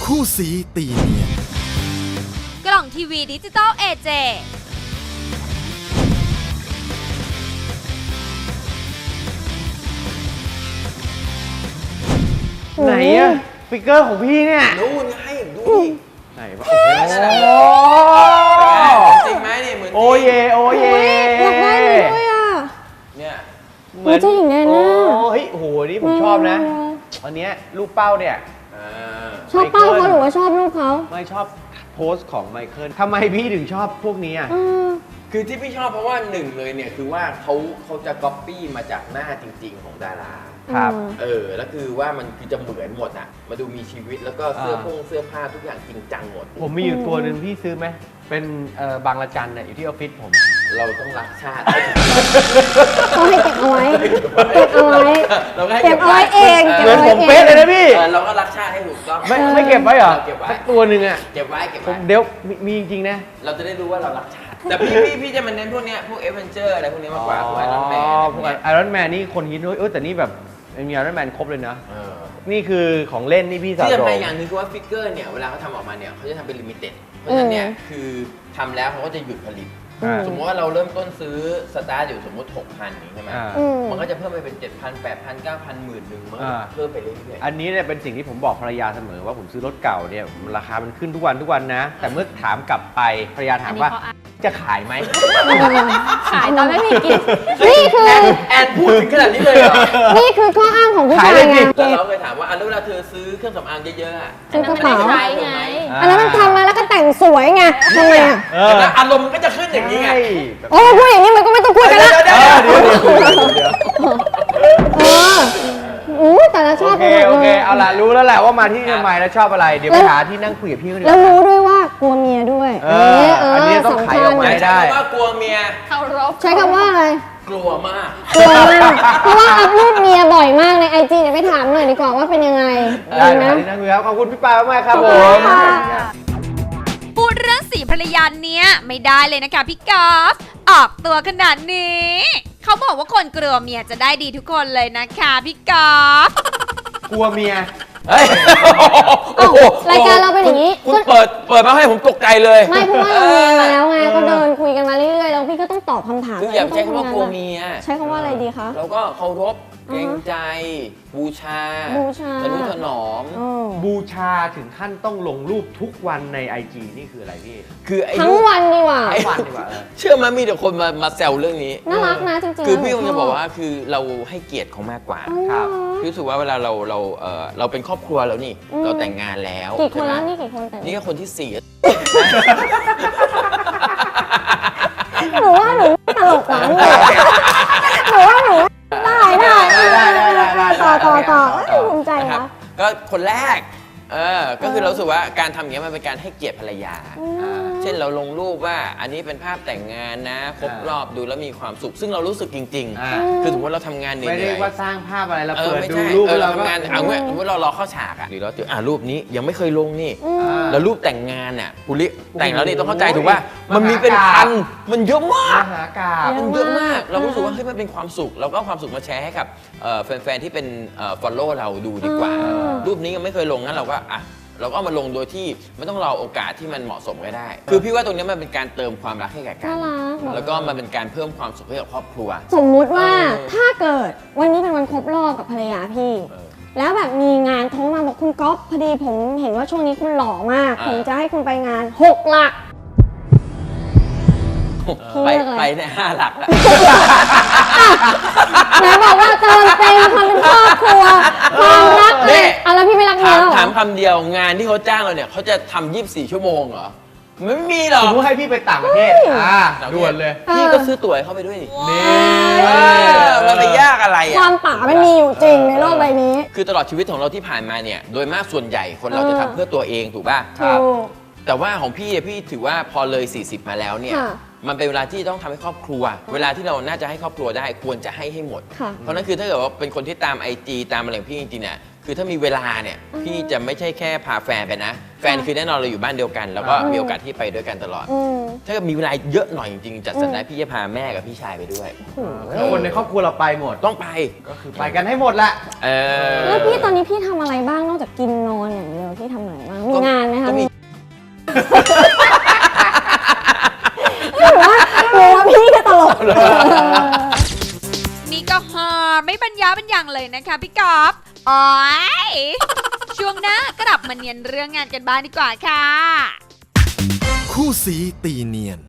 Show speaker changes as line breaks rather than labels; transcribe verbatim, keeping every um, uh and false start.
คู่สีตีเนียน
กล่องทีวีดิจิตอลเอเจ
ไหนอะฟิกเกอร์ของพี่เนี่ย
นู่นไงดูดิ
ไหนวะโอ้
จริงไหมเนี่ยเหมือน
โอเยโอเย
อยากได้เลยด้วยอ่ะ
เนี่ย
เหมือน
เจ้าหญิงแนน่า
โอ้เฮ้ยโอ้โหนี่ผมชอบนะอันเนี้ยลูกเป้าเนี่ย
ชอบเป้าเขาหรือว่าชอบลูกเขา
ไม่ชอบโพสต์ของไมเคิลทำไมพี่ถึงชอบพวกนี้อ่ะ
คือที่พี่ชอบเพราะว่าหนึ่งเลยเนี่ยคือว่าเขาเขาจะก๊อปปี้มาจากหน้าจริง ๆของดารา
ครับ
เออแล้วคือว่ามันคือจะเหมือนหมดอ่ะมาดูมีชีวิตแล้วก็เสื้อผงเสื้อผ้าทุกอย่างจริงจังหมด
ผมมีอยู่ตัวหนึ่งพี่ซื้อไหมเป็นบางละจันเนี่ยอยู่ที่ออฟฟิศผม
เราต้องรักชาติ
ต้องให้เก็บเอาไว้เก็บเอาไว้
เราให้
เก็บเอาไว้เอง
เหมือนผมเป๊ะเลยนะพี่
เราก็รักชาติให้ถูกต้อง
ไม่ไม่เก็บไว้เหรอสักตัวหนึ่งอ่ะ
เก็บไว้เก็บไว้
เดี๋ยวมีจริงๆนะ
เราจะได้รู้ว่าเรารักชาติแต่พี่พี่พี่จะมาเน้นพวกเนี้ยพวกเอเวนเจอร์อะไรพวกนี้มากกว่าพวกไอรอนแมน
พวกไอรอนแมนนี่คนฮิตด้วยเออแต่นี่แบบมีไอรอนแมนครบเลยนะนี่คือของเล่นนี่พี่สาว
ที่จะไปอย่างนึงคือว่าฟิกเกอร์เนี่ยเวลาเขาทำออกมาเนี่ยเขาจะทำเป็นลิมิเต็ดเพราะฉะนั้นเนี่ยคือทำแล้วเขาก็จะหยุดผลิตสมมติว่าเราเริ่มต้นซื้อสตาร์ทอยู่สมมติ หกพัน นี้ใช่ไหมมันก็จะเพิ่มไปเป็น เจ็ดพัน แปดพัน เก้าพัน หมื่นหนึ่งมันก็เพิ่มไปเรื่อยๆ
อันนี้เนี่ยเป็นสิ่งที่ผมบอกภรรยาเสมอว่าผมซื้อรถเก่าเนี่ยราคามันขึ้นทุกวันทุกวันนะแต่เมื่อถามกลับไปภรรยาถามว่าจะขายไหม
ขายตอนไม่มีกิน
นี่คือ
แอนพูดถึงขนาดนี้เลยเหรอ
นี่คือข้ออ้างของผู้ชายไง
แล้วเราเคยถามว่าอันเวลาเธอซื้อเครื่องสำอางเยอะๆ
ซื้อกระเป๋า
ใช้ไง
อันนั้นมันทำมาแล้วก็แต่งสวยไงทำไมอ่ะ
อารมณ์ก็จะขึ้นอย่างนี้ไง
โอ้พูดอย่างนี้มันก็ไม่ต้องคุยกันแล้ว
เดี๋ยวเดี๋ยวเดี๋ยว
เอออู้แต่ละชอบ
โอเคโอเคเอาล่ะรู้แล้วแหละว่ามาที่ทำไมแล้วชอบอะไรเดี๋ยวไปหาที่นั่งคุยกับพี่เขาดี
แล้วรู้ด้วยว่ากลัวเมียด้วย
เอออันนี้ต้องไขออกมาได้
ว่ากลัวเมีย
เคารพ
ใช้คำว่าอะไร
กลัวมาก
กลัวมากเพราะว่าอัพรูปเมียบ่อยมากในไอจีเดี๋ยวไปถามหน่อยดีกว่าว่าเป็นยังไง
ได้นะที่นั่งคุยครับขอบคุณพี่ปามากครับผม
พูดเรื่องสีภรรยาเนี้ยไม่ได้เลยนะคะพี่กอล์ฟออกตัวขนาดนี้เขาบอกว่าคนกลัวเมียจะได้ดีทุกคนเลยนะคะพี่กอล์ฟ
กลัวเมีย
เฮ้ย
รายการเราเป็นอย่างนี้
คุณเปิดเปิดมาให้ผมตกใจเลย
ไม่เพราะว่าเราเรียนมาแล้วไงก็เดินคุยกันมาเรื่อยๆแล้วพี่ก็ต้องตอบคำถาม
คืออย่าใช้คำว่ากลัวเมีย
ใช้คำว่าอะไรดีคะ
เราก็เคารพเกรงใจบูชา
บูชา
ทนุถนอม
บูชาถึงขั้นต้องลงรูปทุกวันใน ไอ จี นี่คืออะไรพี่
คือ
ทั้งวันดีกว่า
ทั้งวันดีกว่า
เชื่อไหมมีแต่คนมามาแซวเรื่องนี้
น่ารักนะจริงๆ
คือพี่คงจะบอกว่าคือเราให้เกียรติเขามากกว่า
ครับ
รู้สึกว่าเวลาเราเราเออเราเป็นครอบครัวแล้วนี่เราแต่งงานแล้ว
กี่คนแล้วนี่กี่คนแต่ง
นี่ก็คนที่สี่
หนูว่าหนูตลกหวานเลยหนูว่าหนูได้ได้ได้ได้ต่อต่อต่อภูมิใจนะ
ก็คนแรกเออก็คือเราสึกว่าการทำอย่างนี้มันเป็นการให้เกียรติภรรยาเช่นเราลงรูปว่าอันนี้เป็นภาพแต่งงานนะครบรอบดูแล้วมีความสุขซึ่งเรารู้สึกจริงๆคือสมมติเราทำงานเหนื่อย
ไม่ได้ว่าสร้างภาพอะไรเราเปิดดู
รู
ป
เราทำงานเอาเงี้ยสมมติเรารอเข้าฉากอ่ะหรือเราเจออ่ารูปนี้ยังไม่เคยลงนี่แล้วรูปแต่งงานอ่ะปุริแต่งแล้วนี่ต้องเข้าใจถูกว่ามันมีเป็นพันมันเยอะมาก
มหากาพย์
มันเยอะมากเรารู้สึกว่าเฮ้ยมันเป็นความสุขเราก็เอาความสุขมาแชร์ให้กับแฟนๆที่เป็น follow เราดูดีกว่ารูปนี้ยังไม่เคยลงงั้นเราก็อ่ะเราก็เอามาลงโดยที่ไม่ต้องรอโอกาสที่มันเหมาะสมก็ได้คือพี่ว่าตรงนี้มันเป็นการเติมความรักให้แก่กันแล้วก็มันเป็นการเพิ่มความสุขให้กับครอบครัว
สมมุติว่าถ้าเกิดวันนี้เป็นวันครบรอบกับภรรยาพี่แล้วแบบมีงานโทรมาบอกคุณก๊อฟพอดีผมเห็นว่าช่วงนี้คุณหล่อมากผมจะให้คุณไปงานหกหลัก
ไปไปในห้าหลักอะ
ไหนบอกว่าเติมเต็มความเป็นครอบครัวความรักเลยอ่ะแล้วพี่ไม่รักเมียหรอ
ถามคำเดียวงานที่เขาจ้างเราเนี่ยเขาจะทำยี่สิบสี่ชั่วโมงเหรอไม่มีหรอก
สมมติให้พี่ไปต่างประเทศอ่าด่วนเลย
พี่ก็ซื้อตั๋วเข้าไปด้วยนี่
มัน
ไปยากอะไรอ่ะ
ความป๋ามันมีอยู่จริงในโลกใบนี้
คือตลอดชีวิตของเราที่ผ่านมาเนี่ยโดยมากส่วนใหญ่คนเราจะทำเพื่อตัวเองถูกป่ะ
ครับ
แต่ว่าของพี่พี่ถือว่าพอเลยสี่สิบมาแล้วเนี่ยมันเป็นเวลาที่ต้องทำให้ครอบครัวเวลาที่เราน่าจะให้ครอบครัวได้ควรจะให้ให้หมดเพราะนั้นคือถ้าเกิดว่าเป็นคนที่ตาม ไอ จี ตามอะไรของพี่จริงๆเนี่ยคือถ้ามีเวลาเนี่ยพี่จะไม่ใช่แค่พาแฟนไปนะแฟนคือแน่นอนเราอยู่บ้านเดียวกันแล้วก็มีโอกาสที่ไปด้วยกันตลอดถ้าเกิดมีเวลาเยอะหน่อยจริงๆจัดสรรได้พี่จะพาแม่กับพี่ชายไปด้วย
คนในครอบครัวเราไปหมด
ต้องไป
ก็คือไปกันให้หมดละ
แล้วพี่ตอนนี้พี่ทำอะไรบ้างนอกจากกินนอนอย่างเดียวพี่ทำอะไรบ้างมีหรือว่าหรือว่าพี่ก็ตลก
นี่ก็ฮาไม่บรรยาบรรยังเลยนะคะพี่กอล์ฟอ๋อยช่วงหน้ากลับมาเนียนเรื่องงานกันบ้างดีกว่าค่ะ
คู่สีตีเนียน